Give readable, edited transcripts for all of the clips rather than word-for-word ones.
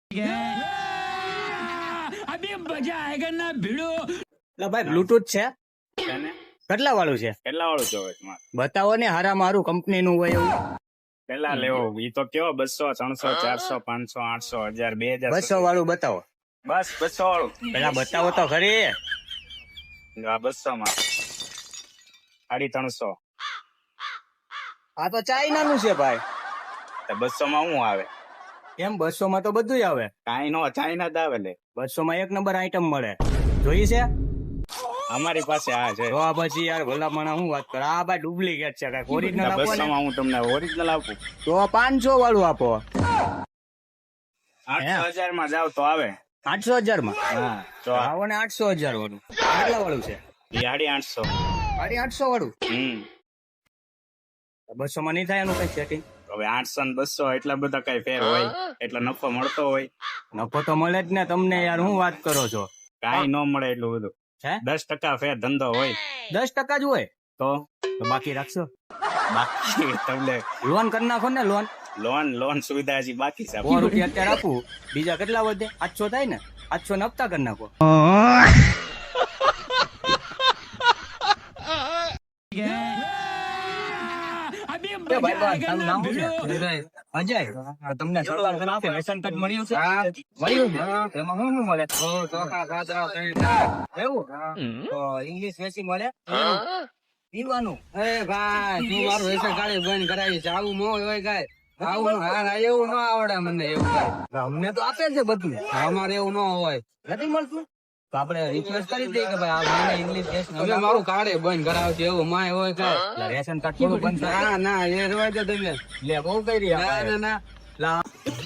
अभी मजा आएगा ना भिड़ो। ભાઈ બ્લુટૂથ છે કેટલા વાળું છે? કેટલા વાળું જોવે તમારે? બતાવો ને હારા મારું કંપની નું હોય એવું. કેટલા લેવો ઈ તો કેવો 200 300 400 500 800 1000 2000 200 વાળું બતાવો. બસ 200 વાળું પેલા બતાવો તો ખરી. આ 200 માં 350. આ તો ચાઇના નું છે ભાઈ. તો 200 માં શું આવે? એમ 200 માં તો બધું આવે. કાઈ નો ચાઇના જ આવે લે. 200 માં એક નંબર આઈટમ મળે. જોઈ છે અમારી પાસે આ છે. તો આ પછી યાર ભલામણા હું વાત કર. આ ભાઈ ડુપ્લિકેટ છે કઈ ઓરિજિનલ આપો 200 ને. માં હું તમને ઓરિજિનલ આપું. તો 500 વાળું આપો. 8000 માં જાવ તો આવે. 800,000 માં હા તો આવો ને 800,000 વાળું. કેટલા વાળું છે? 850. 800 વાળું. 200 માં નહીં થાય એનું કઈ સેટિંગ? હવે 800 ને 200 એટલા બધા કઈ ફેર હોય? એટલો નફો મળતો હોય? નફો તો મળે જ ને તમને યાર. હું વાત કરો છો? કાઈ ન મળે એટલું બધું. હે 10% ફેર ધંધો હોય 10% જ હોય તો તો બાકી રાખશો. બાકી તમને લોન કરી નાખો ને. લોન સુવિધા હજી બાકી છે. 100 રૂપિયા અત્યારે આપું, બીજા કેટલા વધે? 800 થાય ને. 800 ને હપ્તા કરી નાખો. अभी એ मजा ભાઈ आएगा તારું ना નામ શું भिड़ो। છે? અજય. તમને સરકાર તરફથી રેશન કાર્ડ મળ્યું છે? મળ્યું છે? એમાં શું શું મળે? એવું તો ઇંગ્લિશ વેસી મળે પીવાનું? એ ભાઈ તું મારું રેશન કાર્ડ બંધ કરાવી છે. આવું ન હોય કાંઈ. આવું હા એવું ન આવડે મને. એવું કાંઈ અમને તો આપે છે બધું. અમારે એવું ન હોય. નથી મળતું તો આપણે રિક્વેસ્ટ કરી દઈએ કે ભાઈ આ મને ઇંગ્લિશ તમે મારું કાર્ડ બંધ કરાવ છે એવું માય હોય કાંઈ. રેશન કાર્ડ થોડું બંધ થાય. ના ના એ રવાય તો તમે. લે બહુ કરી રહ્યા ના ના ના લા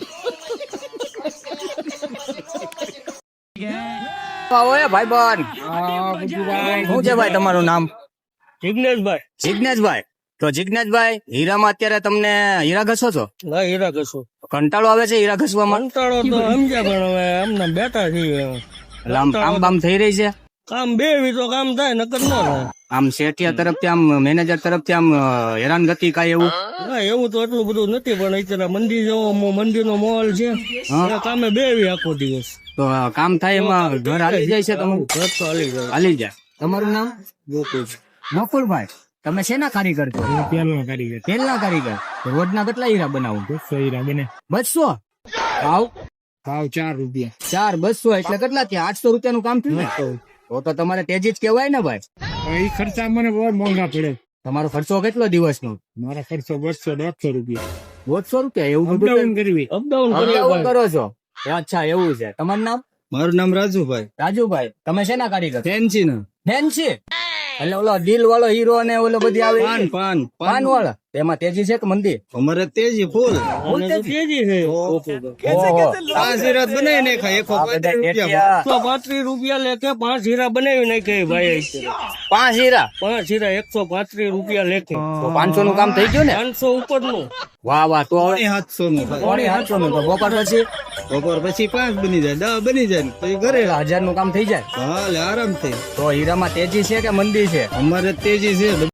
આવો એ ભાઈબંધ. શું છે ભાઈ તમારું નામ? જિગ્નેશભાઈ. જિજ્ઞેશભાઈ. તો જિજ્ઞેશભાઈ હીરામાં અત્યારે તમને હીરા ઘસો છો? ના હીરા કશું કંટાળો આવે છે હીરા ઘસવામાં? કંટાળો તો સમજ્યા પણ હવે અમને બેઠા છીએ. આમ બામ થઈ રહી છે? કામ બે તો કામ થાય નકર ન થાય. આમ શેઠિયા તરફથી આમ મેનેજર તરફથી આમ હેરાનગતિ કાંઈ એવું? ના એવું તો એટલું બધું નથી પણ અત્યારે મંદિર જેવો મંદિરનો માહોલ છે. હા. કામે બેવી આખો દિવસ. તો કામ થાય એમાં ઘર હાલી જાય છે તમારું? ઘર તો હાલી જાય. હાલી જાય. તમારું નામ? ગોકુળ. નકુલભાઈ. તમે શેના કારીગર છો? પેલનો કારીગર. તેલના કારીગર. તો રોજના કેટલા હીરા બનાવો? 200 હીરા બને. 200? ભાવ ભાવ 4 રૂપિયા. 4 200 એટલે કેટલા થયા? 800 રૂપિયાનું કામ થયું ને? તો તમારે તેજી જ કહેવાય ને ભાઈ. એ ખર્ચા મને બહુ મોંઘા પડે. તમારો ખર્ચો કેટલો દિવસનો? મારા ખર્ચો 200 રૂપિયા. 200 રૂપિયા? એવું બધું અપડાઉન કરવી. અપડાઉન અપડાઉન કરો છો? અચ્છા એવું છે. તમારું નામ? મારું નામ રાજુભાઈ. રાજુભાઈ. તમે શેના કારીગર? ફેન્સી ના. ફેન્સી? એટલે ઓલો દિલ વાળો હીરો ને ઓલો બધી આવે પાન વાળા એમાં તેજી છે કે મંદી? અમારે તેજી ફૂલ. તેજી છે. ઓહો. 5 હીરા બનાવી નાખ્યા. 135 રૂપિયા લેખે 5 હીરા બનાવી નાખ્યા ભાઈ. 5 હીરા? 5 હીરા 135 રૂપિયા લેખે. તો 500 નું કામ થઈ ગયું ને? 500 ઉપરનું. વાહ વાહ. તો હવે 700 નું. 700 નું. તો બપોર પછી બપોર પછી 5 બની જાય 10 બની જાય પછી ઘરે. 1000 નું કામ થઈ જાય? હાલે આરામથી. તો હીરામાં તેજી છે કે મંદી છે? અમારે તેજી છે.